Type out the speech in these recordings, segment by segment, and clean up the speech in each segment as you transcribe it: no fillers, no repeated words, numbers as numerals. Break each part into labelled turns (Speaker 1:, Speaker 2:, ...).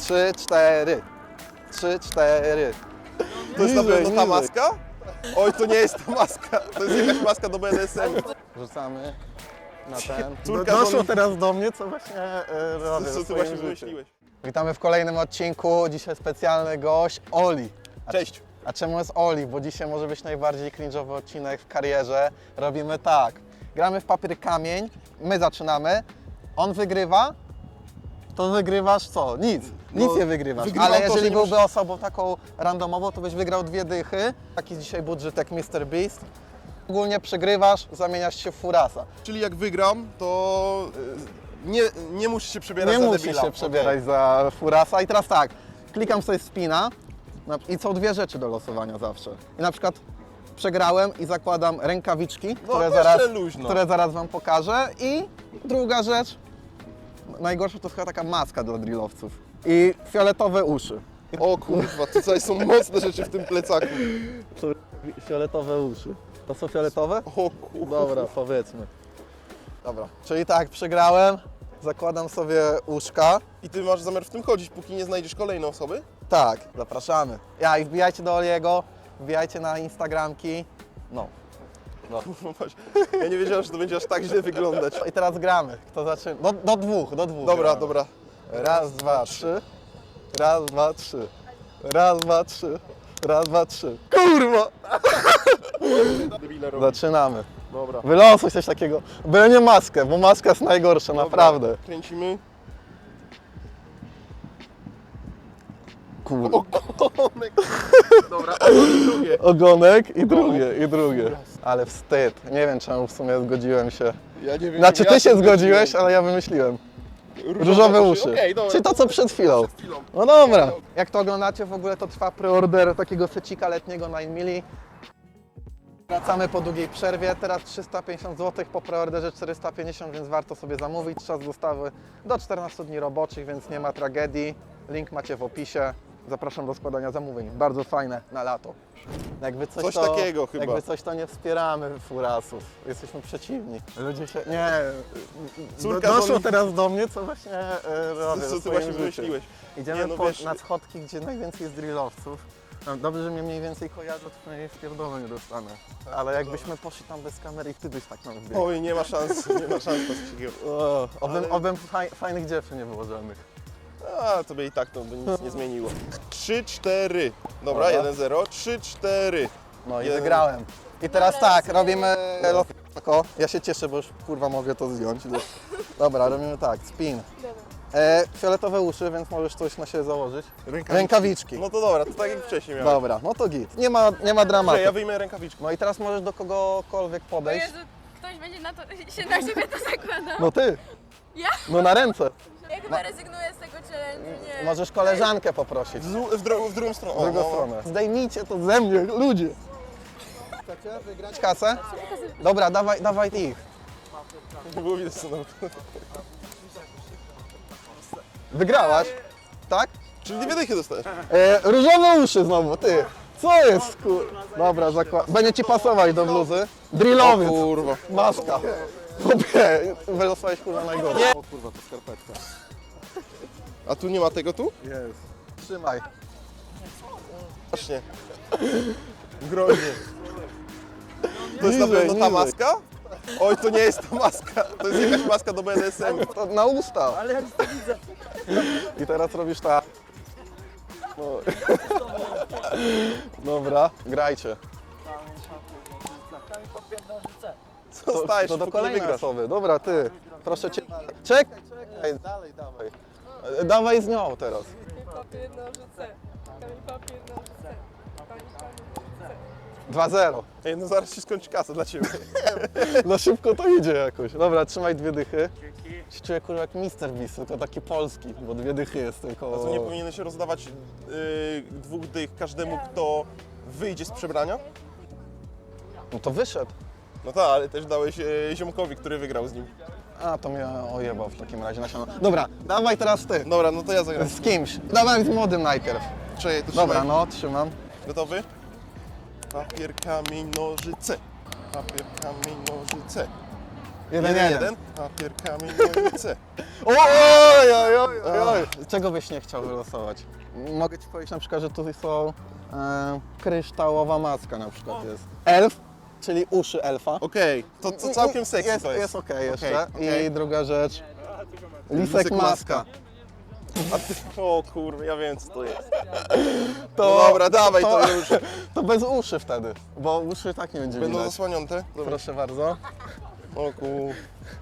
Speaker 1: 3, 4. 3, 4.
Speaker 2: To jest na pewno ta maska? Oj, to nie jest ta maska. To jest jakaś maska do BDSM.
Speaker 1: Rzucamy na ten.
Speaker 2: Córka
Speaker 1: Doszło
Speaker 2: Zoni-
Speaker 1: teraz do mnie, co właśnie robię.
Speaker 2: Co
Speaker 1: w
Speaker 2: ty
Speaker 1: swoim
Speaker 2: właśnie
Speaker 1: życiu.
Speaker 2: wymyśliłeś?
Speaker 1: Witamy w kolejnym odcinku. Dzisiaj specjalny gość Oli.
Speaker 2: Cześć.
Speaker 1: A czemu jest Oli? Bo dzisiaj może być najbardziej cringe'owy odcinek w karierze. Robimy tak. Gramy w papier kamień, my zaczynamy, on wygrywa, to wygrywasz co? Nic. Nic
Speaker 2: No,
Speaker 1: nie wygrywasz.
Speaker 2: wygrywam
Speaker 1: Ale
Speaker 2: to, że
Speaker 1: jeżeli
Speaker 2: nie
Speaker 1: byłby osobą taką randomową, to byś wygrał 2 dychy. Taki dzisiaj budżet jak Mr. Beast. Ogólnie przegrywasz, zamieniasz się w furasa.
Speaker 2: Czyli jak wygram, to nie musisz się przebierać
Speaker 1: Nie
Speaker 2: za
Speaker 1: musisz
Speaker 2: debila.
Speaker 1: się przebierać za furasa. I teraz tak, klikam sobie spina i są 2 rzeczy do losowania zawsze. I na przykład przegrałem i zakładam rękawiczki, które zaraz Wam pokażę. I druga rzecz, najgorsza to chyba taka maska dla drillowców. I fioletowe uszy.
Speaker 2: O kurwa, tutaj są mocne rzeczy w tym plecaku.
Speaker 1: To fioletowe uszy. To są fioletowe?
Speaker 2: O kurwa.
Speaker 1: Dobra, powiedzmy. Dobra, czyli tak, przegrałem, zakładam sobie uszka.
Speaker 2: I ty masz zamiar w tym chodzić, póki nie znajdziesz kolejnej osoby?
Speaker 1: Tak, zapraszamy. Ja i wbijajcie do Oliego, wbijajcie na Instagramki. No.
Speaker 2: Ja nie wiedziałem, że to będzie aż tak źle wyglądać.
Speaker 1: I teraz gramy. Kto zaczyna? Do dwóch.
Speaker 2: Dobra,
Speaker 1: gramy.
Speaker 2: dobra.
Speaker 1: Raz, dwa, trzy. Raz, dwa, trzy. Raz, dwa, trzy. Raz, dwa, trzy. Kurwa!
Speaker 2: Debile robi.
Speaker 1: Zaczynamy.
Speaker 2: Dobra.
Speaker 1: Wylosuj coś takiego. Byle nie maskę, bo maska jest najgorsza, naprawdę.
Speaker 2: Dobra, kręcimy.
Speaker 1: Kurwa.
Speaker 2: Ogonek. Dobra, i drugie.
Speaker 1: Ogonek i drugie. Ale wstyd. Nie wiem, czemu w sumie zgodziłem się.
Speaker 2: Ja nie wiem.
Speaker 1: Znaczy,
Speaker 2: ja
Speaker 1: ty się
Speaker 2: zgodziłem.
Speaker 1: zgodziłeś, ale ja wymyśliłem. Różowe uszy.
Speaker 2: Okej, dobra.
Speaker 1: Czyli to, co przed chwilą. No dobra. Jak to oglądacie, w ogóle to trwa preorder takiego fecika letniego 9 mili. Wracamy po długiej przerwie. Teraz 350 zł, po preorderze 450, więc warto sobie zamówić. Czas dostawy do 14 dni roboczych, więc nie ma tragedii. Link macie w opisie. Zapraszam do składania zamówień. Bardzo fajne na lato. Jakby
Speaker 2: Coś takiego chyba.
Speaker 1: Jakby coś, to nie wspieramy furasów. Jesteśmy przeciwni. Ludzie się... Nie.
Speaker 2: Córka
Speaker 1: Doszło
Speaker 2: Zoni-
Speaker 1: teraz do mnie, co właśnie robię
Speaker 2: Co
Speaker 1: w
Speaker 2: ty
Speaker 1: swoim
Speaker 2: właśnie
Speaker 1: życiu.
Speaker 2: wymyśliłeś?
Speaker 1: Idziemy
Speaker 2: Nie, no wiesz-
Speaker 1: na schodki, gdzie najwięcej jest drillowców. No, dobrze, że mnie mniej więcej kojarzą, to przynajmniej spierdolę nie dostanę. Ale jakbyśmy poszli tam bez kamery i ty byś tak nam wbiegł.
Speaker 2: Oj, nie ma szans, nie ma szans coś takiego.
Speaker 1: Obym fajnych dziewczyn nie było żadnych.
Speaker 2: A, tobie i tak to by nic nie zmieniło. 3-4. Dobra,
Speaker 1: Dobra.
Speaker 2: 1-0. 3-4.
Speaker 1: No i
Speaker 2: Jeden.
Speaker 1: wygrałem. I teraz tak, robimy losowanko. Ja się cieszę, bo już kurwa mogę to zdjąć. Dobra, robimy tak, spin. Fioletowe uszy, więc możesz coś na siebie założyć. Rękawiczki.
Speaker 2: No to dobra, to tak jak wcześniej miałem.
Speaker 1: Dobra, no to git. Nie ma dramatu.
Speaker 2: Że ja wyjmę rękawiczkę.
Speaker 1: No i teraz możesz do kogokolwiek
Speaker 3: O
Speaker 1: podejść.
Speaker 3: Jezu, ktoś będzie się na siebie to zakładał?
Speaker 1: No ty.
Speaker 3: Ja?
Speaker 1: No na ręce.
Speaker 3: Ja chyba rezygnuję z tego challenge'u, nie.
Speaker 1: Możesz koleżankę poprosić.
Speaker 2: W drugą stronę.
Speaker 1: W drugą stronę. Zdejmijcie to ze mnie, ludzie. Chcecie wygrać kasę? Dobra, dawaj ich.
Speaker 2: Nie było widać co nam.
Speaker 1: Wygrałaś? Tak?
Speaker 2: Czyli 2 dychy dostajesz.
Speaker 1: Różowe uszy znowu, ty. Co jest, Dobra, będzie ci pasować do bluzy. Drillowiec.
Speaker 2: Kurwa.
Speaker 1: Maska. Chłopie, wylosowałeś kurwa najgorsze. O kurwa, to skarpetka.
Speaker 2: A tu nie ma tego tu?
Speaker 1: Jest. Trzymaj.
Speaker 2: Właśnie. Groźnie. To jest na
Speaker 1: Niżej,
Speaker 2: pewno ta
Speaker 1: niżej.
Speaker 2: maska? Oj, to nie jest ta maska. To jest jakaś maska do BDSM.
Speaker 1: To na usta. Ale ja to widzę. I teraz robisz tak. No. Dobra, grajcie.
Speaker 2: Co stajesz,
Speaker 1: To do
Speaker 2: póki nie
Speaker 1: kolejnej
Speaker 2: wygrasz.
Speaker 1: osoby. Dobra, ty. Proszę cię. Czekaj. Dalej, dawaj. Dawaj z nią teraz.
Speaker 3: Papier, nożyce. Kamień, papier, nożyce. Kamień, papier, nożyce.
Speaker 1: 2-0.
Speaker 2: Ej, no zaraz się skończy kasa dla ciebie.
Speaker 1: No szybko to idzie jakoś. Dobra, trzymaj 2 dychy. Się czuję kurwa jak Mr. Beast, tylko taki polski, bo 2 dychy jest tylko...
Speaker 2: A co, nie powinieneś rozdawać 2 dych każdemu, kto wyjdzie z przebrania?
Speaker 1: No to wyszedł.
Speaker 2: No tak, ale też dałeś ziomkowi, który wygrał z nim.
Speaker 1: A, to mnie ojebał w takim razie na siano. Dobra, dawaj teraz ty.
Speaker 2: Dobra, no to ja zagram.
Speaker 1: Z kimś. Dawaj z młodym najpierw.
Speaker 2: Czekaj, to
Speaker 1: Dobra,
Speaker 2: trzymaj.
Speaker 1: no, trzymam.
Speaker 2: Gotowy? Papier, kamień, nożyce. Papier, kamień, nożyce. 1-1. Papierkami nożyce.
Speaker 1: Oj. Czego byś nie chciał wylosować? Mogę ci powiedzieć na przykład, że tutaj są kryształowa maska na przykład jest. Elf, czyli uszy elfa.
Speaker 2: Okej, to całkiem sexy
Speaker 1: jest,
Speaker 2: to jest.
Speaker 1: jest okej jeszcze.
Speaker 2: okej.
Speaker 1: I druga rzecz, lisek maska.
Speaker 2: A ty, o kurwa, ja wiem co to jest.
Speaker 1: To,
Speaker 2: No dobra, dawaj to już.
Speaker 1: To bez uszy wtedy, bo uszy tak nie będzie
Speaker 2: Będą
Speaker 1: widać.
Speaker 2: zasłonięte? Dobra.
Speaker 1: Proszę bardzo.
Speaker 2: O kur...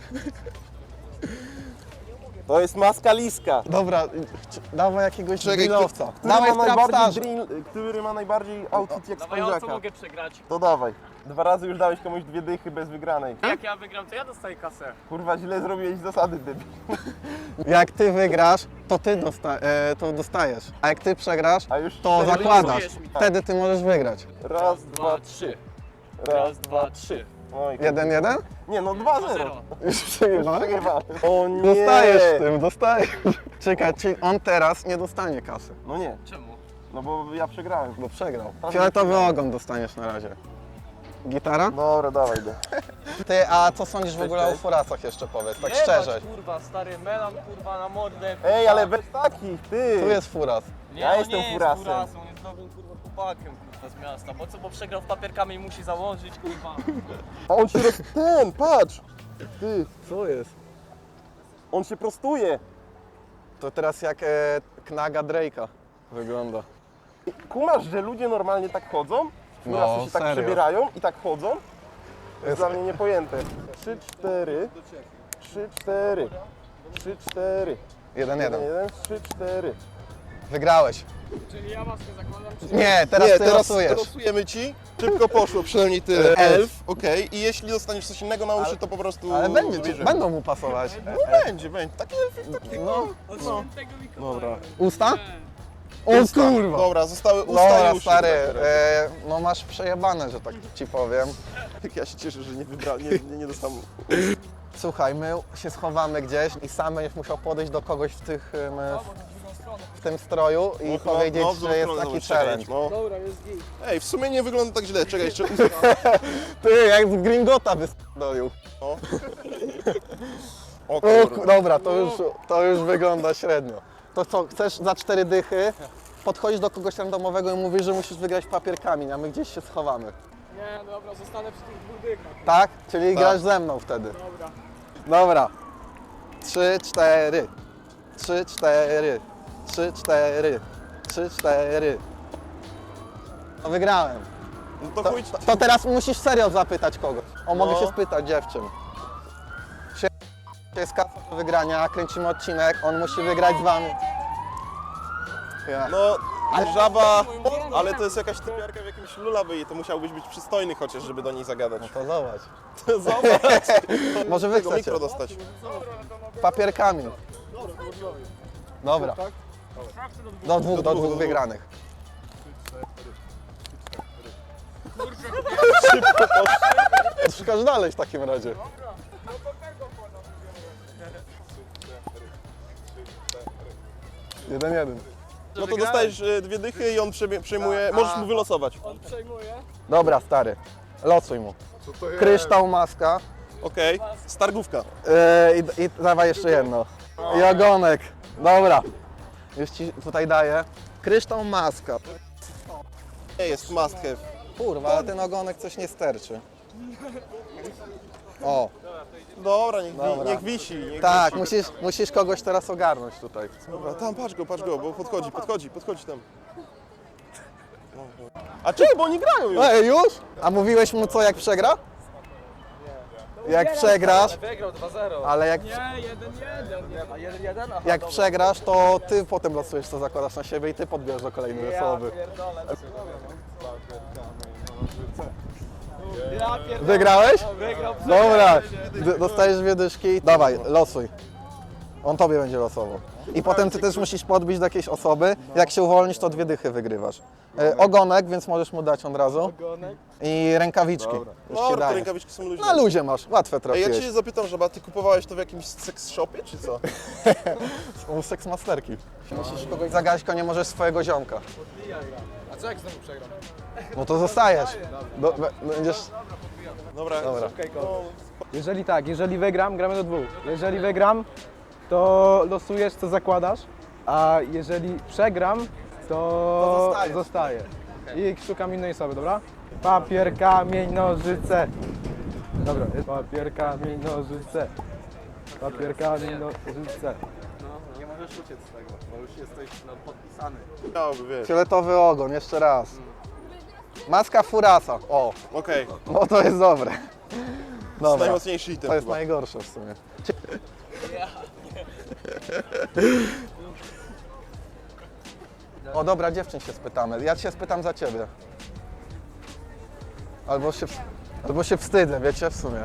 Speaker 2: To jest maska liska.
Speaker 1: Dobra, dawaj jakiegoś
Speaker 2: Czekaj,
Speaker 1: drillowca.
Speaker 2: Który
Speaker 1: Dawaj
Speaker 2: ma najbardziej
Speaker 1: trapstarza.
Speaker 2: który ma najbardziej outfit jak
Speaker 4: Dawaj, ja co
Speaker 2: spędziaka?
Speaker 4: mogę przegrać?
Speaker 2: To dawaj. 2 razy już dałeś komuś 2 dychy bez wygranej.
Speaker 4: Jak ja wygram, to ja dostaję kasę.
Speaker 2: Kurwa, źle zrobiłeś zasady, debil.
Speaker 1: Jak ty wygrasz, to ty to dostajesz. A jak ty przegrasz,
Speaker 2: A już
Speaker 1: to
Speaker 2: wtedy
Speaker 1: zakładasz.
Speaker 4: losujesz mi.
Speaker 1: Wtedy ty możesz wygrać.
Speaker 2: Raz,
Speaker 4: 2,
Speaker 2: dwa,
Speaker 4: 3.
Speaker 2: Raz,
Speaker 4: Raz, dwa, trzy.
Speaker 2: Oj,
Speaker 1: 1-1?
Speaker 2: nie no, 2-0.
Speaker 4: 0.
Speaker 1: Już przegrywamy?
Speaker 2: Przegrywamy. O nie.
Speaker 1: Dostajesz tym, dostajesz. Czekaj, czyli on teraz nie dostanie kasy,
Speaker 2: No nie,
Speaker 4: Czemu?
Speaker 2: no bo ja przegrałem.
Speaker 1: bo przegrał.
Speaker 2: Tak,
Speaker 1: Fioletowy
Speaker 2: przegrałem.
Speaker 1: ogon dostaniesz na razie. Gitara?
Speaker 2: Dobra, dawaj go.
Speaker 1: Ty, a co sądzisz w ogóle o
Speaker 2: cześć.
Speaker 1: furasach jeszcze powiedz, tak
Speaker 4: Jebać,
Speaker 1: szczerze.
Speaker 4: kurwa, stary melan, kurwa, na mordę.
Speaker 2: Ej, ale bez takich, ty.
Speaker 1: Tu jest furas.
Speaker 4: Nie,
Speaker 2: Ja
Speaker 4: on
Speaker 2: jestem
Speaker 4: nie
Speaker 2: furasem.
Speaker 4: jest furasem, on jest dobrym, kurwa, chłopakiem, kurwa, z miasta. Bo co, bo przegrał w papierkami i musi założyć, kurwa.
Speaker 2: A on się ten, patrz. Ty,
Speaker 1: Co jest?
Speaker 2: on się prostuje.
Speaker 1: To teraz jak knaga Drake'a wygląda.
Speaker 2: Kumasz, że ludzie normalnie tak chodzą?
Speaker 1: No,
Speaker 2: Furasy się tak
Speaker 1: serio.
Speaker 2: przebierają i tak chodzą? To jest
Speaker 1: Jest-
Speaker 2: dla mnie niepojęte. 3, 4. 3, 4. 3, 4.
Speaker 1: 1-1.
Speaker 2: 1, 3, 4.
Speaker 1: Wygrałeś.
Speaker 4: Czyli ja maskę zakładam, czy
Speaker 1: Nie, teraz ty losujesz.
Speaker 2: losujemy ci. Szybko poszło, przynajmniej tyle. Elf, okej. I jeśli dostaniesz coś innego na uszy, to po prostu...
Speaker 1: Ale będzie,
Speaker 2: bierzemy.
Speaker 1: będą mu pasować.
Speaker 2: No będzie. Taki elf, taki...
Speaker 1: No,
Speaker 2: Dobra.
Speaker 1: usta? O kurwa.
Speaker 2: Dobra, zostały usta
Speaker 1: Dobra,
Speaker 2: i uszy.
Speaker 1: stary,
Speaker 2: w takim razie.
Speaker 1: no masz przejebane, że tak ci powiem.
Speaker 2: Ja się cieszę, że nie dostałem...
Speaker 1: Słuchaj, my się schowamy gdzieś i sam będziesz musiał podejść do kogoś w tym stroju i powiedzieć,
Speaker 2: w drugą
Speaker 1: że jest
Speaker 2: stronę
Speaker 1: taki
Speaker 2: zobacz,
Speaker 1: challenge.
Speaker 2: czekaj, no.
Speaker 4: Dobra, jest git.
Speaker 2: Ej, w sumie nie wygląda tak źle. Czekaj, jeszcze
Speaker 1: Ty, jak z Gringota wystolił.
Speaker 2: O
Speaker 1: O,
Speaker 2: kurwa.
Speaker 1: dobra, to już wygląda średnio. To co, chcesz za 4 dychy, podchodzisz do kogoś randomowego i mówisz, że musisz wygrać papierkami, a my gdzieś się schowamy.
Speaker 4: Nie, dobra, zostanę przy tych 2 dykach.
Speaker 1: Tak? Czyli
Speaker 2: Tak.
Speaker 1: grasz ze mną wtedy.
Speaker 4: Dobra.
Speaker 1: Dobra. 3, 4. 3, 4. 3, 4. 3, 4. No wygrałem.
Speaker 2: No to
Speaker 1: To,
Speaker 2: chuj,
Speaker 1: to teraz musisz serio zapytać kogoś. O, mogę
Speaker 2: No.
Speaker 1: się spytać dziewczyn. Jest kasa do wygrania, kręcimy odcinek, on musi wygrać z wami. Ja.
Speaker 2: no żaba, ale to jest jakaś typiarka w jakimś lullaby i to musiałbyś być przystojny chociaż, żeby do niej zagadać.
Speaker 1: To zobacz.
Speaker 2: Zobacz,
Speaker 1: Może wy
Speaker 2: tego
Speaker 1: chcecie.
Speaker 2: mikro dostać.
Speaker 1: Papierkami. Dobra. Do dwóch wygranych. Szukasz dalej w takim razie. Jeden.
Speaker 2: No to dostajesz 2 dychy i on przejmuje, możesz mu wylosować.
Speaker 4: On przejmuje.
Speaker 1: Dobra, stary. Losuj mu. Kryształ, maska.
Speaker 2: Okej, stargówka.
Speaker 1: I dawaj jeszcze jedno. I ogonek. Dobra. Już ci tutaj daję. Kryształ, maska.
Speaker 2: Nie jest must have.
Speaker 1: Kurwa, ale ten ogonek coś nie sterczy. O,
Speaker 2: Dobra,
Speaker 1: Dobra.
Speaker 2: niech wisi. Niech
Speaker 1: tak,
Speaker 2: wisi.
Speaker 1: musisz kogoś teraz ogarnąć tutaj.
Speaker 2: Dobra, tam patrz go, bo podchodzi tam. A czekaj, bo oni grają już.
Speaker 1: Ej, już? A mówiłeś mu co, jak przegra? Jak przegrasz,
Speaker 4: Wygrał 2-0.
Speaker 1: ale jak,
Speaker 4: Nie, 1-1. A 1-1? Aha,
Speaker 1: jak
Speaker 4: dobra.
Speaker 1: przegrasz, to ty potem losujesz, co zakładasz na siebie i ty podbierzesz do kolejnej osoby.
Speaker 4: Pierdolę. Ja pierdolę.
Speaker 1: Wygrałeś?
Speaker 4: Wygrał.
Speaker 1: Dobra, dostajesz 2 dyszki. Dawaj, losuj. On tobie będzie losował. I potem ty też musisz podbić do jakiejś osoby. Jak się uwolnisz, to 2 dychy wygrywasz. Ogonek, więc możesz mu dać od razu. I rękawiczki. Już ci
Speaker 2: Dobra, te
Speaker 1: daję.
Speaker 2: rękawiczki są luźne.
Speaker 1: Na luzie masz, łatwe
Speaker 2: Ej, ja
Speaker 1: trafiłeś.
Speaker 2: cię zapytam, żeba, ty kupowałeś to w jakimś sex shopie, czy co?
Speaker 1: U seksmasterki. Musisz kogoś zagać, nie możesz swojego ziomka.
Speaker 4: A co jak znowu przegram?
Speaker 1: No to zostajesz. Będziesz...
Speaker 2: Dobra.
Speaker 5: Jeżeli tak, jeżeli wygram, gramy do 2. Jeżeli wygram, to losujesz, co zakładasz, a jeżeli przegram, to zostaję. I szukam innej osoby, dobra? Papier, kamień, nożyce. Dobra, papier, kamień, nożyce. Papier, kamień, nożyce.
Speaker 4: Nie możesz uciec z tego, bo już jesteś podpisany.
Speaker 2: Miałoby, wiesz.
Speaker 1: Fioletowy ogon, jeszcze raz. Maska Furasa. O,
Speaker 2: Okej,
Speaker 1: no to jest dobre.
Speaker 2: to jest
Speaker 1: Dobra,
Speaker 2: najmocniejszy item
Speaker 1: to jest
Speaker 2: chyba.
Speaker 1: najgorsze w sumie. O dobra, dziewczyn się spytamy. Ja się spytam za ciebie. Albo się wstydzę, wiecie, w sumie.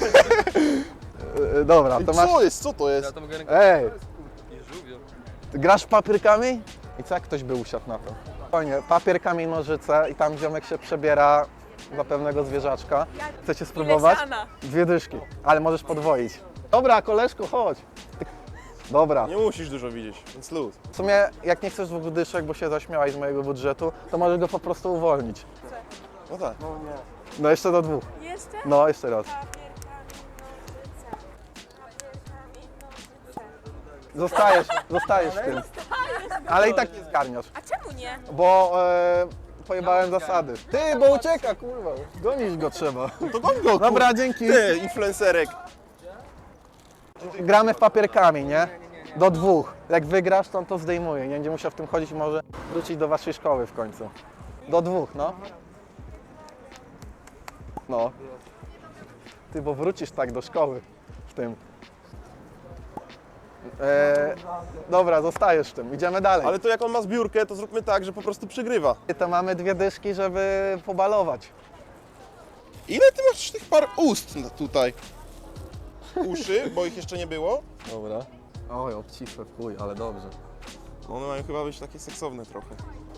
Speaker 1: Dobra, to masz...
Speaker 2: Co jest? Co to jest?
Speaker 1: Ej! Ty grasz w papier, kamień? I co jak ktoś by usiadł na to? Fajnie, papier, kamień, nożyce i tam ziomek się przebiera za pewnego zwierzaczka. Chcecie spróbować?
Speaker 3: siana?
Speaker 1: 2 dyszki, ale możesz podwoić. Dobra, koleżko, chodź. Dobra,
Speaker 2: Nie musisz dużo widzieć, więc luz.
Speaker 1: w sumie jak nie chcesz 2 dyszek, bo się zaśmiałaś z mojego budżetu, to możesz go po prostu uwolnić.
Speaker 2: No tak.
Speaker 1: No jeszcze do 2.
Speaker 3: Jeszcze?
Speaker 1: No, jeszcze raz.
Speaker 3: Papier, kamień, nożyce. Papier, kamień, nożyce.
Speaker 1: Zostajesz w tym. Ale i tak nie zgarniasz,
Speaker 3: A czemu nie?
Speaker 1: bo pojebałem zasady. Ty, bo ucieka, kurwa. Gonić go trzeba.
Speaker 2: To goń go,
Speaker 1: Dobra, dzięki.
Speaker 2: Ty, influencerek.
Speaker 1: Gramy w papier, kamień, nie? Do 2. Jak wygrasz, to on to zdejmuje. Nie będzie musiał w tym chodzić i może wrócić do waszej szkoły w końcu. Do 2, no. No. Ty, bo wrócisz tak do szkoły w tym. Dobra, zostajesz w tym. Idziemy dalej.
Speaker 2: Ale to jak on ma zbiórkę, to zróbmy tak, że po prostu przegrywa.
Speaker 1: To mamy 2 dyszki, żeby pobalować.
Speaker 2: Ile ty masz tych par ust tutaj? Uszy, bo ich jeszcze nie było.
Speaker 1: Dobra. Oj, obcisłe w chuj, ale dobrze.
Speaker 2: No one mają chyba być takie seksowne trochę.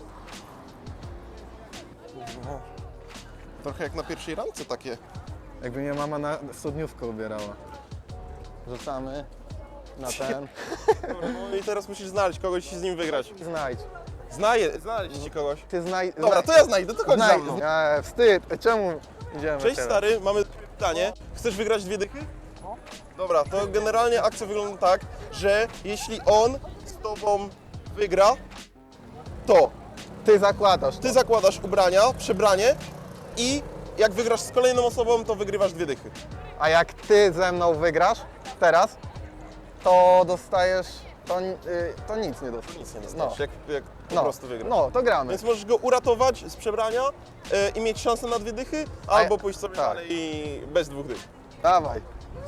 Speaker 2: No. Trochę jak na pierwszej randce takie.
Speaker 1: Jakby mnie mama na studniówkę ubierała. Rzucamy na ten.
Speaker 2: No i teraz musisz znaleźć kogoś i z nim wygrać.
Speaker 1: Znajdź.
Speaker 2: Znaleźć ci kogoś.
Speaker 1: Ty znajdź.
Speaker 2: Dobra, to ja znajdę, to chodź za
Speaker 1: znajdź.
Speaker 2: mną.
Speaker 1: Wstyd. Czemu idziemy
Speaker 2: Cześć
Speaker 1: teraz?
Speaker 2: stary, mamy pytanie. Chcesz wygrać 2 dychy? Dobra, to generalnie akcja wygląda tak, że jeśli on z tobą wygra, to
Speaker 1: Ty zakładasz.
Speaker 2: ty zakładasz ubrania, przebranie i jak wygrasz z kolejną osobą, to wygrywasz 2 dychy.
Speaker 1: A jak ty ze mną wygrasz teraz, to dostajesz. To nic nie dostaniesz.
Speaker 2: Nic nie dostaniesz, jak po
Speaker 1: No.
Speaker 2: prostu wygrasz.
Speaker 1: No, to gramy.
Speaker 2: Więc możesz go uratować z przebrania i mieć szansę na 2 dychy, albo pójść sobie
Speaker 1: tak.
Speaker 2: dalej i bez 2 dych.
Speaker 1: Dawaj.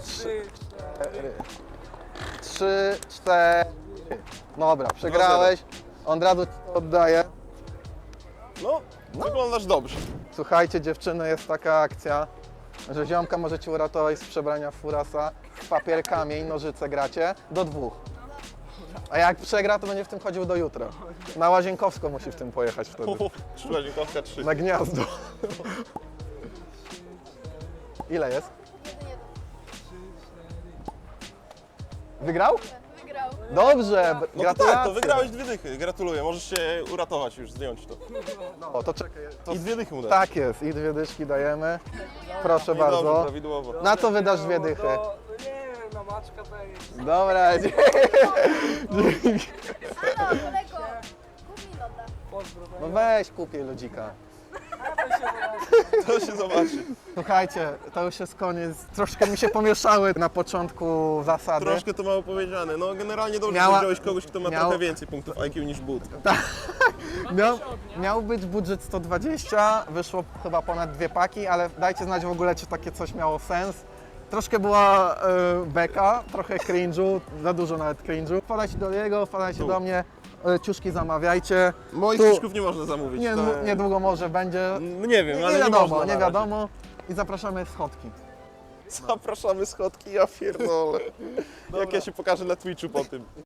Speaker 1: 3, 4. Dobra, przegrałeś. On od razu ci to oddaje.
Speaker 2: No, wyglądasz dobrze.
Speaker 1: Słuchajcie, dziewczyny, jest taka akcja, że ziomka możecie uratować z przebrania Furasa, z papier, kamień, nożyce gracie do 2. A jak przegra, to będzie w tym chodził do jutra. Na Łazienkowską musi w tym pojechać wtedy.
Speaker 2: Szkoła dziękowska 3.
Speaker 1: Na gniazdo. Ile jest? Wygrał?
Speaker 6: Wygrał.
Speaker 1: Dobrze,
Speaker 2: No to
Speaker 1: gratulacje.
Speaker 2: tak, to wygrałeś 2 dychy. Gratuluję, możesz się uratować już, zdjąć to.
Speaker 1: O, to czekaj. To
Speaker 2: I 2 dychy mu dać.
Speaker 1: tak jest, i 2 dyszki dajemy. Proszę
Speaker 2: I dobrze,
Speaker 1: bardzo.
Speaker 2: prawidłowo.
Speaker 1: Na co wydasz 2 dychy?
Speaker 5: Nie wiem, na maczka to jest.
Speaker 1: Dobra,
Speaker 6: Halo, kolego. Kup mi loda.
Speaker 1: no weź kupię ludzika.
Speaker 2: To się zobaczy.
Speaker 1: Słuchajcie, to już jest koniec. Troszkę mi się pomieszały na początku zasady.
Speaker 2: Troszkę to mało powiedziane. No generalnie dobrze,
Speaker 1: Miała-
Speaker 2: że wziąłeś kogoś, kto ma
Speaker 1: miał-
Speaker 2: trochę więcej punktów IQ niż but.
Speaker 1: Miał być budżet 120, wyszło chyba ponad 2 paki, ale dajcie znać w ogóle, czy takie coś miało sens. Troszkę była beka, trochę cringe'u, za dużo nawet cringe'u. Wpadajcie do niego, wpadajcie do mnie, ciuszki zamawiajcie.
Speaker 2: Moich
Speaker 1: Tu-
Speaker 2: ciuszków nie można zamówić.
Speaker 1: Nie,
Speaker 2: to...
Speaker 1: niedługo może będzie.
Speaker 2: No nie wiem, ale nie
Speaker 1: wiadomo,
Speaker 2: można na
Speaker 1: nie
Speaker 2: razie.
Speaker 1: wiadomo. I zapraszamy schodki.
Speaker 2: Zapraszamy schodki, ja pierdolę. Jak ja się pokażę na Twitchu po tym.